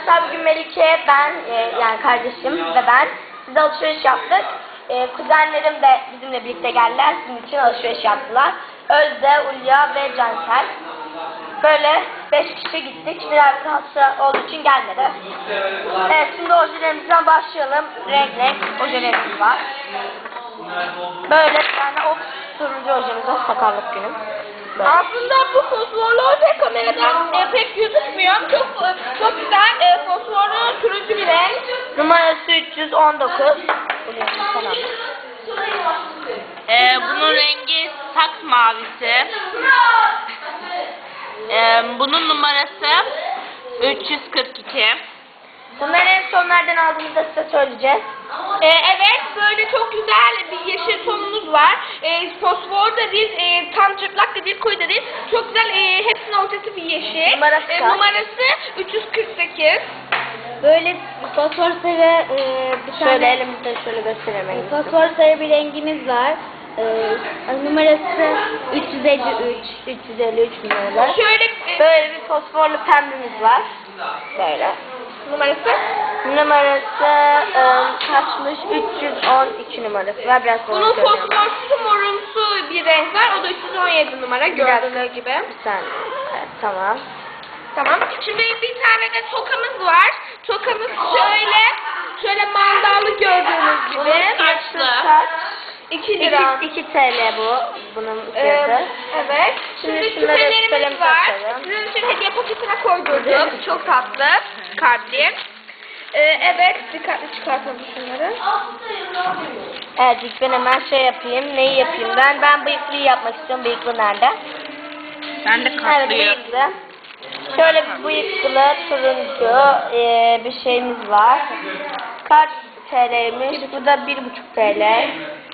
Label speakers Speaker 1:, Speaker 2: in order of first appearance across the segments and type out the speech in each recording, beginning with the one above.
Speaker 1: Arkadaşlar bugün Melike, ben, yani kardeşim ve ben size alışveriş yaptık. Kuzenlerim de bizimle birlikte geldiler. Sizin için alışveriş yaptılar. Özde, Ulya ve Cansel. Böyle 5 kişi gittik. Biraz hasta olduğu için gelmedi. Evet, şimdi ojelerimizden başlayalım. Renk ojelerimiz var. Böyle bir tane turuncu ojemiz var. Sakarlık günüm. Böyle.
Speaker 2: Aslında bu fosforlu oje kameradan pek gözükmüyor. Çok güzel fosforlu turuncu bir renk.
Speaker 1: Numarası 319.
Speaker 3: Bunun rengi saks mavisi. Bunun numarası 342.
Speaker 1: Bunları en son nereden aldığımızda size söyleyeceğiz.
Speaker 2: Evet, böyle çok güzel bir yeşil tonumuz var. Fosfor da değil, tam çıplak da değil, koyu da değil. Çok güzel, hepsinin ortası bir yeşil. Numarası 348.
Speaker 4: Böyle fosfor sarı bir
Speaker 1: Şöyle
Speaker 4: tane
Speaker 1: elimizde şöyle gösteremeyiz.
Speaker 4: fosfor sarı bir rengimiz var. Numarası 353 numaralı.
Speaker 2: Şöyle
Speaker 1: Böyle bir fosforlu pembemiz var. Böyle. Numarası kaçmış? 312 numarası var. Biraz
Speaker 2: bunun fosforsu morumsu bir renk var. O da 317 numara gördüğünüz gibi.
Speaker 1: Bir saniye. Evet, tamam.
Speaker 2: Tamam. Şimdi bir tane de tokamız var. Tokamız şöyle mandallı gördüğünüz gibi.
Speaker 3: Saçlı.
Speaker 2: 2 lira.
Speaker 1: 2 TL bu. Bunun fiyatı.
Speaker 2: Evet. Şimdi
Speaker 1: şunları
Speaker 2: küpelerimiz
Speaker 1: küpelerimizi
Speaker 2: var.
Speaker 1: açalım.
Speaker 2: Sizin için hediye paketine koydurduk. Çok tatlı. Kalpli. Evet. Dikkatli çıkartalım şunları.
Speaker 1: Evet, ilk ben hemen şey yapayım. Neyi yapayım ben? Ben bıyıklıyı yapmak istiyorum. Bıyıklı nerede?
Speaker 3: Ben de
Speaker 1: Evet,
Speaker 3: katlıyım.
Speaker 1: bıyıklı. Şöyle bir bıyıklı, turuncu bir şeyimiz var. Kaç TL'ymiş? Bu da 1,5 TL.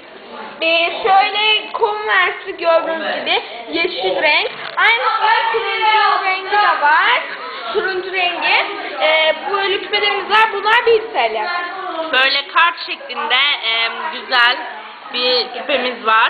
Speaker 2: Şöyle Converse gördüğünüz gibi yeşil renk. Aynı turuncu rengi de var. Turuncu rengi. Böyle küpelerimiz var. Bunlar 1 TL.
Speaker 3: Böyle kart şeklinde güzel bir küpemiz var.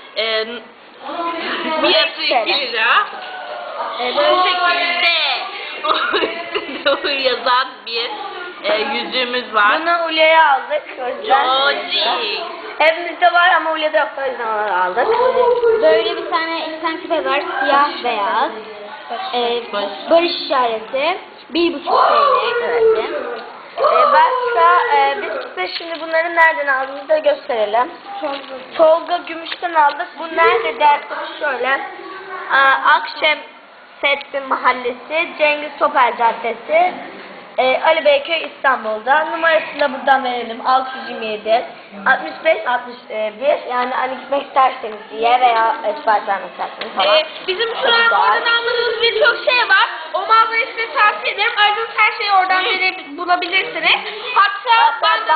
Speaker 3: Fiyatı 2 lira. Bu şekilde üstünde yazan bir yüzüğümüz var.
Speaker 1: Bunu Ulya'ya aldık. O yüzden.
Speaker 3: Joji.
Speaker 1: Hepimizde var ama Ulya'da yoktu. O yüzden onu aldık.
Speaker 4: Böyle bir tane küpe var, siyah beyaz. Barış işareti 1,5 TL.
Speaker 1: Evet. Başka biz size şimdi bunları nereden aldığımızı da gösterelim. Tolga Gümüş'ten aldık. Bu nerede derseniz şöyle. Akşemseddin Mahallesi, Cengiz Topel Caddesi, Ali Beyköy İstanbul'da. Numarasını da buradan verelim. 627 65 61. Yani hani gitmek isterseniz diye veya sipariş vermek isterseniz falan.
Speaker 2: Bizim şu an oradan almadığımız birçok şey var. O mağazayı size tavsiye ederim. Ayrıca her şeyi oradan bulabilirsiniz. Hatta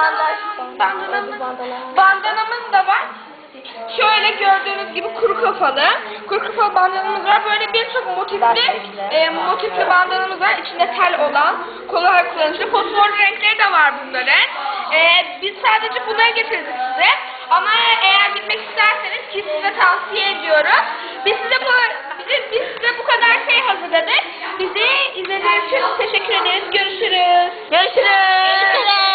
Speaker 2: bandanamız da var. Şöyle gördüğünüz gibi kuru kafalı bandanamız var. Böyle birçok motifli bandanamız var. İçinde tel olan, kolay kullanışlı. Fosfor renkleri de var bunların. Biz sadece bunları getirdik size. Ama eğer bilmek isterseniz ki size tavsiye ediyorum. Biz size bu kadar şey hazırladık. Bizi izlediğiniz için teşekkür ederiz. Görüşürüz.
Speaker 1: Görüşürüz.